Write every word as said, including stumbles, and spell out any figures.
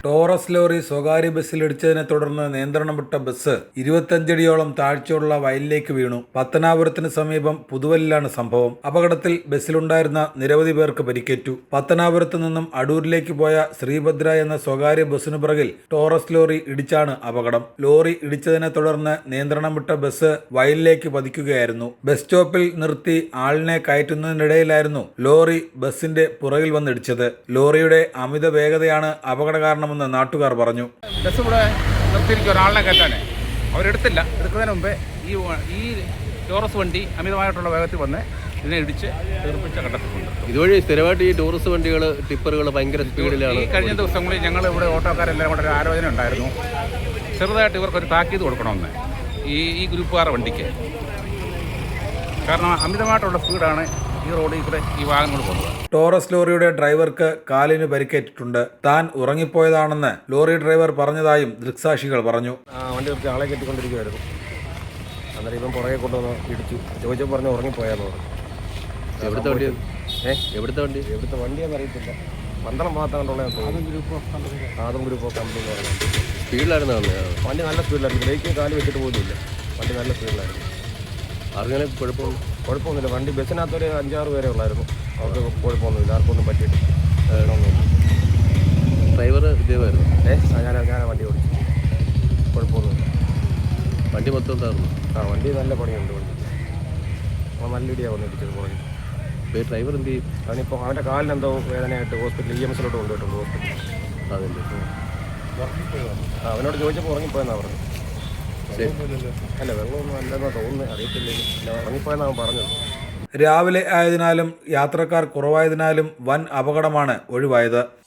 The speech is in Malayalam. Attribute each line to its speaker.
Speaker 1: ടോറസ് ലോറി സ്വകാര്യ ബസ്സിലിടിച്ചതിനെ തുടർന്ന് നിയന്ത്രണം വിട്ട ബസ് ഇരുപത്തഞ്ചടിയോളം താഴ്ചയുള്ള വയലിലേക്ക് വീണു. പത്തനാപുരത്തിന് സമീപം പുതുവലിലാണ് സംഭവം. അപകടത്തിൽ ബസ്സിലുണ്ടായിരുന്ന നിരവധി പേർക്ക് പരിക്കേറ്റു. പത്തനാപുരത്ത് നിന്നും അടൂരിലേക്ക് പോയ ശ്രീഭദ്ര എന്ന സ്വകാര്യ ബസ്സിനു പിറകിൽ ടോറസ് ലോറി ഇടിച്ചാണ് അപകടം. ലോറി ഇടിച്ചതിനെ തുടർന്ന് നിയന്ത്രണം വിട്ട ബസ് വയലിലേക്ക് പതിക്കുകയായിരുന്നു. ബസ് സ്റ്റോപ്പിൽ നിർത്തി ആളിനെ കയറ്റുന്നതിനിടയിലായിരുന്നു ലോറി ബസിന്റെ പുറകിൽ വന്നിടിച്ചത്. ലോറിയുടെ അമിത വേഗതയാണ് അപകട കാരണമെന്ന് നാട്ടുകാർ പറഞ്ഞു.
Speaker 2: ബസ് ഇവിടെ നിർത്തിയിരിക്കും ഒരാളിനെ കയറ്റാനേ, അവരെടുത്തില്ല. എടുക്കുന്നതിന് മുമ്പേ ഈ ഈ ടോറസ് വണ്ടി അമിതമായിട്ടുള്ള വേഗത്തിൽ വന്ന് ഇതിനെ ഇടിച്ച് തീർപ്പിച്ച ഘട്ടത്തിലുണ്ട്.
Speaker 3: ഇതുവഴി സ്ഥിരമായിട്ട് ഈ ടൂറിസ്റ്റ് വണ്ടികൾ ടിപ്പറുകൾ ഭയങ്കര സ്പീഡിലാണ്.
Speaker 2: ഈ കഴിഞ്ഞ ദിവസങ്ങളിൽ ഞങ്ങൾ ഇവിടെ ഓട്ടോക്കാരെല്ലാം കൂടെ ഒരു ആലോചന ഉണ്ടായിരുന്നു, ചെറുതായിട്ട് ഇവർക്കൊരു താക്കീത് കൊടുക്കണമെന്ന് ഈ ഈ ഗ്രൂപ്പുകാരുടെ വണ്ടിക്ക്. കാരണം അമിതമായിട്ടുള്ള സ്പീഡാണ് ഈ റോഡിൽ കൂടെ ഈ വാഹനങ്ങൾ പോകുന്നത്.
Speaker 1: ടോറസ് ലോറിയുടെ ഡ്രൈവർക്ക് കാലിന് പരിക്കേറ്റിട്ടുണ്ട്. താൻ ഉറങ്ങിപ്പോയതാണെന്ന് ലോറി ഡ്രൈവർ പറഞ്ഞതായും ദൃക്സാക്ഷികൾ പറഞ്ഞു.
Speaker 4: വണ്ടി നിർത്തി ആളെ കെട്ടിക്കൊണ്ടിരിക്കുമായിരുന്നു. അന്നേരം ഇപ്പം പുറകെ കൊണ്ടുവന്ന് ഇടിച്ചു. ചോദിച്ചപ്പോൾ പറഞ്ഞ് ഉറങ്ങിപ്പോയാന്ന് പറഞ്ഞു.
Speaker 3: എവിടുത്തെ വണ്ടി?
Speaker 4: ഏഹ്
Speaker 3: എവിടുത്തെ വണ്ടി?
Speaker 4: എവിടുത്തെ വണ്ടിയാണെന്ന് അറിയത്തില്ല. പന്തളം ഭാഗത്താണ്ടുള്ള ആദം ഗ്രൂപ്പ് ഓഫ് കമ്പനി എന്ന് പറയുന്നത്.
Speaker 3: സ്പീഡിലായിരുന്നു
Speaker 4: വണ്ടി നല്ല സ്പീഡിലായിരുന്നു. ബ്രേക്ക് കാല് വെച്ചിട്ട് പോലുമില്ല. വണ്ടി നല്ല സ്പീഡിലായിരുന്നു.
Speaker 3: ആർക്കങ്ങനെ കുഴപ്പമൊന്നും
Speaker 4: കുഴപ്പമൊന്നുമില്ല. വണ്ടി ബസ്സിനകത്തൊരു അഞ്ചാറ് പേരെ ഉള്ളായിരുന്നു. അവർക്ക് കുഴപ്പമൊന്നുമില്ല. ആർക്കൊന്നും പറ്റിയിട്ട് വേണമെന്നില്ല.
Speaker 3: ഡ്രൈവർ ഇതേമായിരുന്നു.
Speaker 4: ഏഹ് ഞാൻ ഞാൻ വണ്ടി ഓടിച്ചു. കുഴപ്പമൊന്നുമില്ല.
Speaker 3: വണ്ടി മൊത്തം താർന്നു.
Speaker 4: ആ വണ്ടി നല്ല പണിയുണ്ട്. വണ്ടി അപ്പോൾ നല്ല ഇടിയാണ് വന്ന് ഇടിച്ചത് പുറകിൽ.
Speaker 3: ഇപ്പോൾ ഈ ഡ്രൈവർ എന്ത് ചെയ്യും?
Speaker 4: അവനിപ്പോൾ അവൻ്റെ കാലിനെന്തോ വേദനയായിട്ട് ഹോസ്പിറ്റലിൽ ഇ എം എസിലോട്ട് കൊണ്ടുപോയിട്ടുണ്ട്. ഹോസ്പിറ്റലിൽ
Speaker 3: അതല്ലേ.
Speaker 4: ആ അവനോട് ചോദിച്ചപ്പോൾ ഉറങ്ങിപ്പോയെന്നാണ് പറഞ്ഞത്. അല്ല വെള്ളമൊന്നും അല്ലെന്നാ തോന്നുന്നത്, അറിയത്തില്ല. ഉറങ്ങിപ്പോയെന്നാണ് അവൻ പറഞ്ഞത്.
Speaker 1: രാവിലെ ആയതിനാലും യാത്രക്കാർ കുറവായതിനാലും വൻ അപകടമാണ് ഒഴിവായത്.